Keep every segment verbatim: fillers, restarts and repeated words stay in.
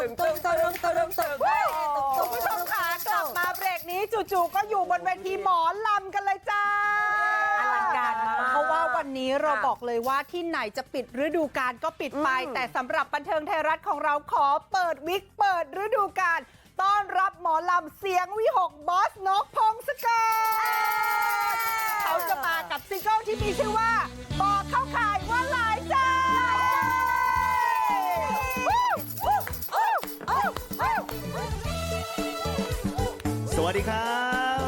ตึงตึงตึงตึงตึงตึงคุณผู้ชมค่ะกลับมาเบรกนี้จู่ๆก็อยู่บนเวทีหมอลำกันเลยจ้าอลังการมากเพราะว่าวันนี้เราบอกเลยว่าที่ไหนจะปิดฤดูกาลก็ปิดไปแต่สำหรับบันเทิงไทยรัฐของเราขอเปิดวิกเปิดฤดูกาลต้อนรับหมอลำเสียงวิหกบอสนกพงศกรเขาจะมากับซิงเกิลที่มีชื่อว่าบอกเข้าข่ายว่าหลายใจสวัสดีครับ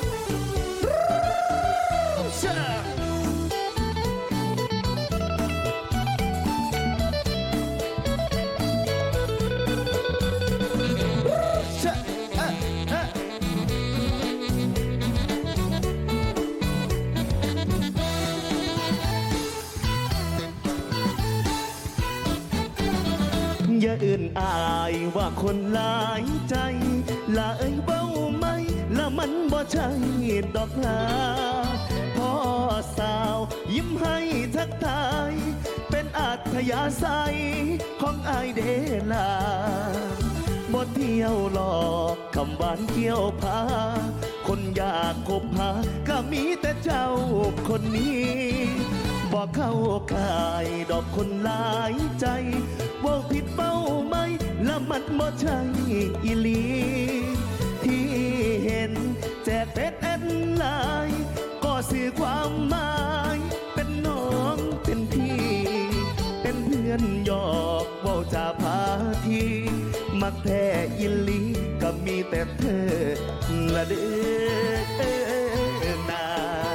อย่าอื่นอายว่าคนหลายใจละเอ้ยเบ้าไหมละมันบ่ใช่ดอกลาพ่อสาวยิ้มให้ทักทายเป็นอัธยาศัยของอายเดลาบ่เที่ยวหลอกคำหวานเกี่ยวพาคนอยากคบหาก็มีแต่เจ้าคนนี้บอกเข้าข่ายดอกคนหลายใจว่าผิดเป้าไหมละมันบ่ใช่อีหลีที่เห็นแจกเฟซแอดไลน์ก็สื่อความหมายเป็นน้องเป็นพี่เป็นเพื่อนหยอกเว้าจาพาทีมักแท้อีหลีก็มีแต่เธอละเด้อนา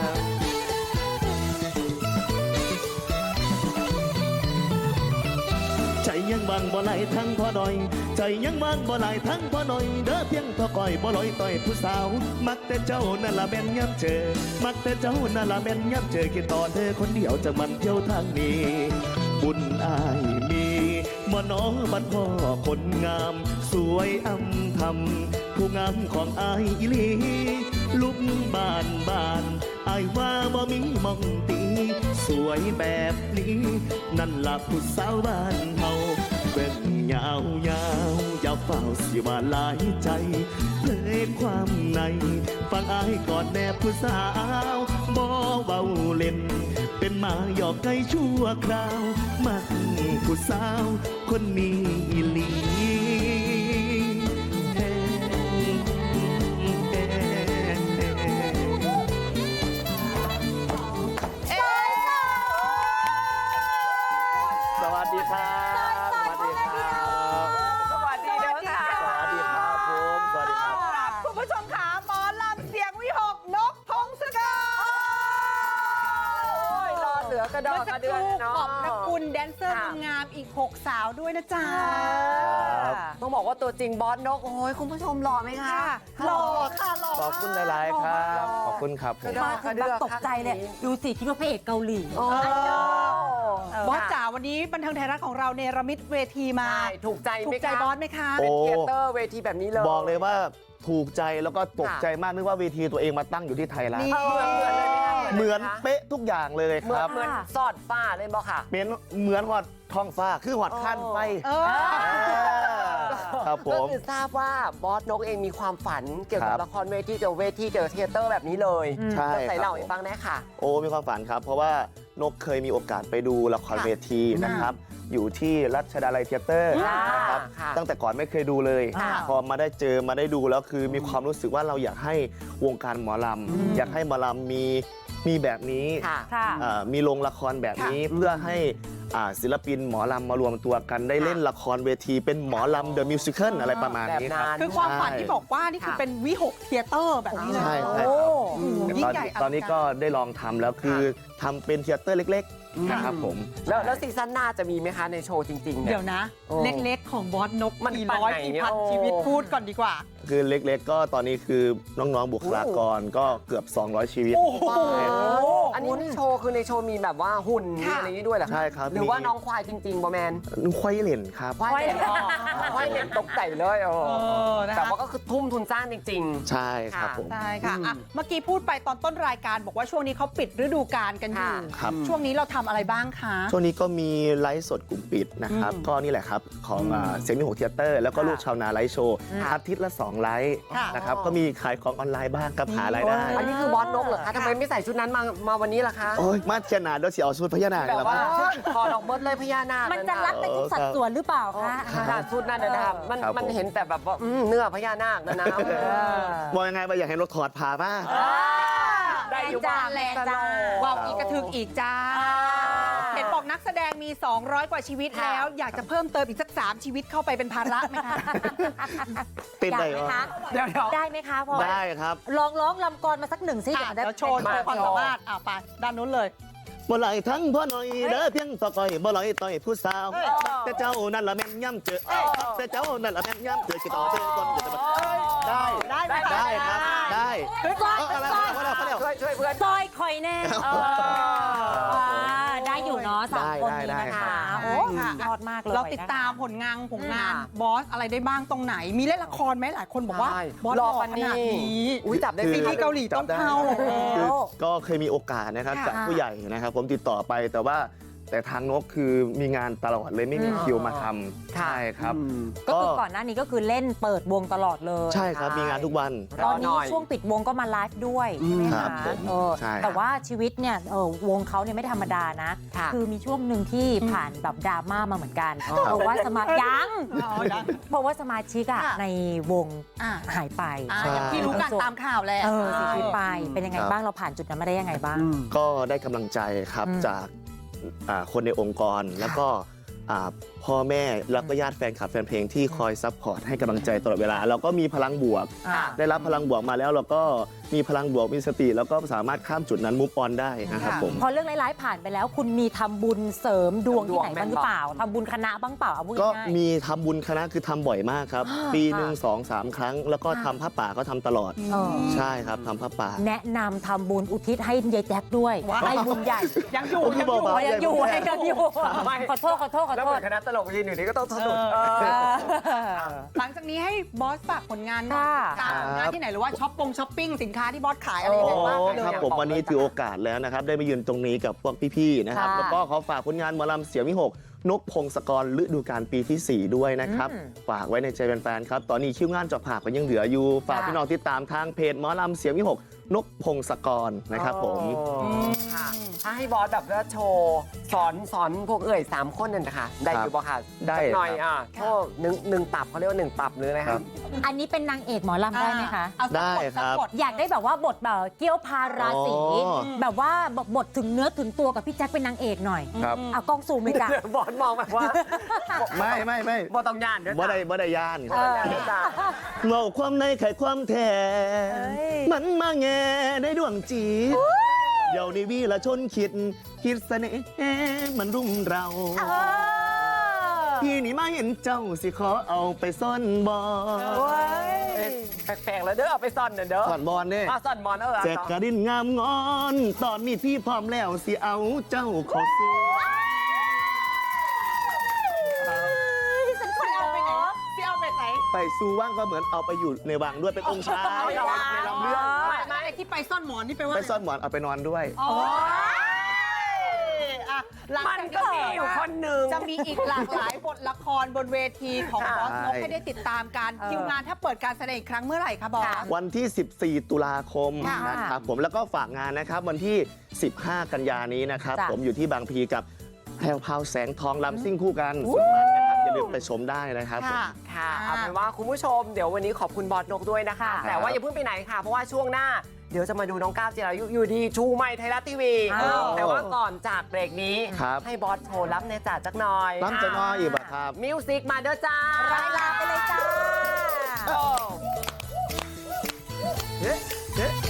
ใจยังบางบ่ไหลทั้งพอหน่อยใจยังบางบ่ไหลทั้งพอหน่อยเด้อเพียงพอก่อยบ่ลอยต่อยผู้สาวมักแต่เจ้านั่นละแม่นย้ำเจอมักแต่เจ้านั่นละแม่นย้ำเจอคิดต่อเธอคนเดียวจะมันเที่ยวทางนี้บุญอายมีบ่น้องบัดพ่อคนงามสวยอำทำผู้งามของอายอีหลีลุกบานบานอายว่าบ่มีมองตีสวยแบบนี้นั่นละผู้สาวบ้านเฮาเบิ่งยาวยาวอย่าเฝ้าสิว่าหลายใจเลยความในฟังอายก่อนแน่ผู้สาวบ่เบาเล่นเป็นมาหยอกไก่ชั่วคราวมักผู้สาวคนนี้อีหลีสวัสดีครับสวัสดีครับสวัสดีค่ะสวัสดีครับผมสวัสดีครับคุณผู้ชมขาหมอลำเสียงวิหกนกพงศกรรอเหลือกระดอกกระเดือนเนาะขอบพระคุณแดนเซอร์งามอีกหกสาวด้วยนะจ๊ะต้องบอกว่าตัวจริงบอสนกโอ้ยคุณผู้ชมหล่อไหมคะหล่อค่ะหล่อขอบคุณหลายๆครับขอบคุณครับผมมาถึงแบบตกใจเลยดูสิคิดว่าพระเอกเกาหลีบอสจ๋าวันนี้บันเทิงไทยรัฐของเราเนรมิตเวทีมาถูกใจถูกใจบอสไหมคะเป็นเทเตอร์เวทีแบบนี้เลยบอกเลยว่าถูกใจแล้วก็ตกใจมากนึกว่าเวทีตัวเองมาตั้งอยู่ที่ไทยแล้วเหมือนเป๊ะทุกอย่างเลยครับเหมือนสอดฟ้าเลยบอกค่ะเป็นเหมือนหอดท้องฟ้าคือหอดขั้นไฟครับผมก็คือทราบว่าบอสนกเองมีความฝันเกี่ยวกับละครเวทีเจอเวทีเจอเทเตอร์แบบนี้เลยใช่ใส่เหล่าให้ฟังได้ค่ะโอ้มีความฝันครับเพราะว่านกเคยมีโอกาสไปดูละครเวทีนะครับอยู่ที่รัชดาลัยเทเตอร์นะครับตั้งแต่ก่อนไม่เคยดูเลยพอมาได้เจอมาได้ดูแล้วคือมีความรู้สึกว่าเราอยากให้วงการหมอลำอยากให้หมอลำมีมีแบบนี้มีโรงละครแบบนี้เพื่อให้ศิลปินหมอลำมารวมตัวกันได้เล่นละครเวทีเป็นหมอลำเดอะมิวสิคลอะไรประมาณนี้ครับคือความฝันที่บอกว่านี่คือเป็นวิหกเทเตอร์แบบนี้เลยใช่ครับยิ่งใหญ่ตอนนี้ก็ได้ลองทำแล้วคือทำเป็นเทเตอร์เล็กๆนะครับผมแล้วแล้วซีซั่นหน้าจะมีไหมคะในโชว์จริงๆเดี๋ยวนะเล็กๆของบอสนกมันร้อยกี่พันชีวิตพูดก่อนดีกว่าคือเล็กๆ ก็ตอนนี้คือน้องๆบุคลากรก็เกือบ สองร้อย ชีวิตโอ้โหอันนี้ในโชว์คือในโชว์มีแบบว่าหุ่นมีค่ะอะไรนี้ด้วยเหรอใช่ครับหรือว่ามีน้องควายจริงๆบอแมนควายเหล่นครับควายเด็กควายเด็กตกใจเลยเออเออนะคะแต่ว่าก็คือทุ่มทุนสร้างจริงใช่ครับผมใช่ค่ะอืมอ่ะ เมื่อกี้พูดไปตอนต้นรายการบอกว่าช่วงนี้เขาปิดฤดูกาลกันอยู่ค่ะครับช่วงนี้เราทำอะไรบ้างคะช่วงนี้ก็มีไลฟ์สดกลุ่มปิดนะครับอืมก็นี่แหละครับ ของอ่าเสียงมีหกเทยเตอร์ แล้วก็ค่ะลูกชาวนาไลฟ์โชว์ค่ะอาทิตย์ละ สอง ไลฟ์ค่ะนะครับ ก็มีขายของออนไลน์บ้างกับหารายได้ๆ อันนี้คือบอสนกเหรอคะทำไมไม่ใส่ชุดนั้นมามาวันนี้ล่ะคะโอ้ย มาเชียร์นาเดี๋ยวสิเอาชุดพญานาคแบบแล้วว่ามาคอดอกเบิร์ดเลยพญานาคมันจะรัดไปทุกสัดส่วนหรือเปล่าคะค่ะชุดนั้นนะครับมันครับมันผมเห็นแต่แบบว่าอืมเนื้อพญานาคนะนะบอกยังไงไปอยากให้รถถอดผ่ามาได้อยู่จ้าบ้างแรงจ้าว้าวอีกกระทึกอีกจ้า เห็นบอกนักแสดงมี สองร้อย กว่าชีวิตแล้ว อยากจะเพิ่มเติมอีกสัก สาม ชีวิตเข้าไปเป็นภาระไหมคะเป็นอยากได้ไหมวะคะเดี๋ยวเดี๋ยวได้ไหมคะพอได้ครับลองร้องลำกรมาสักหนึ่งสิอ่ะเดี๋เดี๋ยยว วโชว์โชว์ความสามารถอ่ะไปด้านนู้นเลยบ่ไหลทั้งพ่อหน่อยเด้อเพียงต่อก้อยบ่ไหลต่อยผู้สาวเอ้ยแต่เจ้านั่นละแม่นย่ำเจอแต่เจ้านั่นละแม่นย่ำเจอกี่ต่อเจอคนเจอได้ได้ไหมได้ครับได้คือซอยเอออะไรมาแล้วมาแล้วช่วยช่วยเพื่อนซอยคอยแน่อ่าได้อยู่เนาะสามได้คนได้นี้ได้นะครัคะบโอ้ค่ะยอดมากเลยเราติดนะคะตามผลงานผลงานค่ะบอสอะไรได้บ้างตรงไหน มีเล่นละครไหมหลายคนบอกว่าใช่บอสรรออปัขนนาดนี้นี้อุ้ยจับได้ซีสิรีส์เกาหลีต้องเข้าคือก็เคยมีโอกาสนะครับค่ะจากผู้ใหญ่นะครับ ผมติดต่อไปแต่ว่าแต่ทางนกคือมีงานตลอดเลยไม่มีคิวมาทำใช่ครับอืมก็คือก่อนหน้านี้ก็คือเล่นเปิดวงตลอดเลยใช่ครับมีงานทุกวันตอนนี้รอหน่อยช่วงปิดวงก็มาไลฟ์ด้วยใช่ไหมครัคะบผมเออใช่แต่ว่าชีวิตเนี่ยเออวงเขาเนี่ยไม่ธรรมดานะค่ะคือมีช่วงหนึ่งที่ผ่านแบบดราม่ามาเหมือนกันอ๋อเพราะว่าสมายังอ๋อยังเพราะว่าสมาชิกอะค่ะในวงอ่ะหายไปอ่ะอย่างที่รู้กันตามข่าวแหละเออเสียชีวิตไปอืมเป็นยังไงครับบ้างเราผ่านจุดนั้นมาได้ยังไงบ้างก็ได้กำลังใจครับอืมจากอ่าคนในองค์กรแล้วก็อ่าพ่อแม่แล้วก็ญาติแฟนคลับแฟนเพลงที่คอยซัพพอร์ตให้กำลังใจตลอดเวลาเราก็มีพลังบวกอ่าได้รับพลังบวกมาแล้วเราก็มีพลังบวกมีสติ แล้วก็สามารถข้ามจุดนั้นมุฟออนได้นะครับค่ะผมพอเรื่องร้ายๆผ่านไปแล้ว คุณมีทำบุญเสริมดวงที่ไหนบ้างหรือเปล่าทำบุญคณะบ้างเปล่าเอาพูดก็ง่ายมีทำบุญคณะคือทำบ่อยมากครับ ปีหนึ่งสองสามครั้ง แล้วก็ทำผ้าป่าก็ทำตลอดเออใช่ครับทำผ้าป่าแนะนำทำบุญอุทิศให้ยายแจ็คด้วยว้าวให้บุญใหญ่ยังอยู่โอ้ยยังอยู่เบาอ๋อยังอยู่ยังอยู่ไม่ขอโทษขอโทษขอแล้วโทเหมืษอนคณะตลกยืนอยู่นี่ก็ต้องสนุกเออเออหลังจากนี้ให้บอสฝากผลงานหน่อยค่ะตามผลงานที่ไหนหรือว่าช้อปปงช้อปปิ้งสินค้าที่บอสขายอะไรโอ้ยังไงบ้างเลยครับอ่ะผมวันนี้ถือโอกาสแล้วนะครับ ได้มายืนตรงนี้กับพวกพี่ๆนะครับค่ะแล้วก็ขอฝากผลงานหมอลำเสียงวิหกนกพงศกรฤดูกาลปีที่ สี่ ด้วยนะครับอืมฝากไว้ในใจแฟนๆครับ ตอนนี้คิวงานเจอบผากก็ยังเหลืออยู่ ฝากค่ะพี่น้องติดตามทางเพจหมอลำเสียงวิหกนกพงศกรนะครับผมค่ะ ถ้าให้บอสแบบว่าโชว์สอนสอนพวกเอ่ยสามคนนั่นนะคะได้อยู่บ่ค่ะได้สักหน่อยครับอ่ะโชว์หนึ่งหนึ่งตับเขาเรียกว่าหนึ่งตับหรืออะไรครัคะบอันนี้เป็นนางเอกหมอลำได้ไหมคะเอาสักได้บทครับสักบทอยากได้แบบว่าบทแบบเกี้ยวพาราศีอ๋อแบบว่าแบบบทถึงเนื้อถึงตัวกับพี่แจ็คเป็นนางเอกหน่อยครับเอากล้องซูมเลยจ้ะบอสมองแบบว่าไม่ไม่ไม่บอสต้องย่านเด้อบ่ได้บ่ได้ยานบอสย่านเด้อจ้ะเงาความในไขความแท้เอ้ยมันมาแง่ในดวงจีตเดี๋ยวนี้วีละชนคิด คิดเสน่ห์มันรุมเราเออพี่นี่มาเห็นเจ้าสิขอเอาไปซ่อนบอโอ้ยแปลกๆแล้วเด้อเอาไปซ่อนเด้อเด้อซ่อนบอลเนี่ยอ่ะซ่อนบอลเออแจกกระดินงามงอน ตอนนี้พี่พร้อมแล้วสิเอาเจ้าเขอสู้ฉันขพี่อเอาไปไหนพี่เอาไปไหนไปสู้ว่างก็เหมือนเอาไปอยู่ในวังด้วยเป็นองค์ชายเอาอย่างนั้นในลำเรื่องไม่ไม่ไอ้ที่ไปซ่อนหมอนนี่ไปลว่าไปซ่อนหมอนเอาไปนอนด้วยโอ้ยอ่ะหลังมันจากก็นี้มีอยู่คนหนึ่งจะมีอีกหลากหลายบทละครบนเวทีของบอสนกให้ได้ติดตามกันเออคิวงานถ้าเปิดการแสดงอีกครั้งเมื่อไหร่คะบอสค่ะวันที่ สิบสี่ ตุลาคมค่ะนะครับผมแล้วก็ฝากงานนะครับวันที่ สิบห้า กันยานี้นะครับจ้ะผมอยู่ที่บางพลีกับแพรวพราวแสงทองลำซิ่งคู่กันอู้สุดมันนะครับอย่าลืมไปชมได้นะครับผมค่ะค่ะเอาเป็นว่าคุณผู้ชมเดี๋ยววันนี้ขอบคุณบอสนกด้วยนะคะค่ะแต่ว่าอย่าเพิ่งไปไหนค่ะ เพราะว่าช่วงหน้าเดี๋ยวจะมาดูน้องก้าวจิรายุอยู่ดีชูไมค์ไทยรัฐทีวีอ้าวแต่ว่าก่อนจากเบรกนี้ครับให้บอสโชว์รับในจ่าจักหน่อยน้ำจะน้อยอีกอะครับมิวสิกมาเด้อจ้ารายลาไปเลยจ้าโอ้เอ๊ะเอ๊ะ